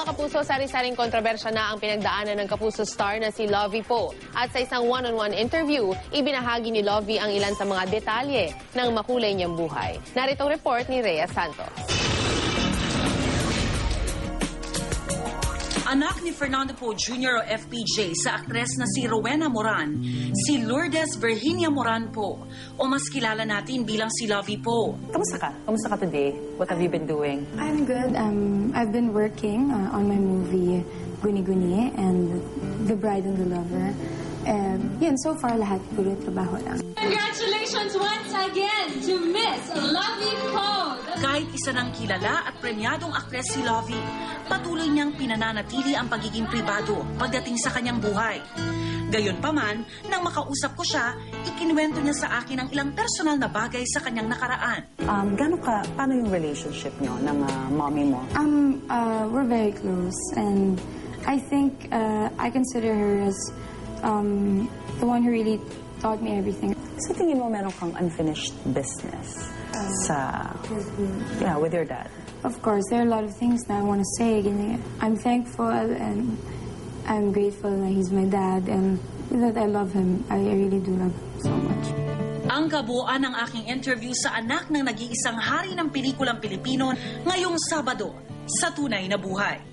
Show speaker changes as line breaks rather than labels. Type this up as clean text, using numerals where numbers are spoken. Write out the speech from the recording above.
mga kapuso, sari-saring kontrobersya na ang pinagdaanan ng kapuso star na si Lovie Poe. At sa isang one-on-one interview, ibinahagi ni Lovie ang ilan sa mga detalye ng makulay niyang buhay. Narito ang report ni Rhea Santos.
Anak ni Fernando Poe Jr. o FPJ sa aktres na si Rowena Moran, si Lourdes Virginia Moran Poe, o mas kilala natin bilang si Lovie Poe.
Kamusta ka? Kamusta ka today? What have you been doing?
I'm good. I've been working on my movie Guni Guni and The Bride and the Lover. Yun, so far lahat puro trabaho lang.
Congratulations once again to Miss Lovie Poe.
Kahit isa ng kilala at premyadong aktres si Lovie, patuloy niyang pinananatili ang pagiging pribado pagdating sa kanyang buhay. Gayunpaman, nang makausap ko siya, ikinuwento niya sa akin ang ilang personal na bagay sa kanyang nakaraan.
Paano yung relationship niyo ng mommy mo?
We're very close, and I think I consider her as the one who really taught me everything.
Sa tingin mo meron kang unfinished business with your dad?
Of course, there are a lot of things that I want to say. I'm thankful and I'm grateful that he's my dad and that I love him. I really do love him so much.
Ang kabuuan ng aking interview sa anak ng nag-iisang hari ng pelikulang Pilipino ngayong Sabado sa Tunay na Buhay.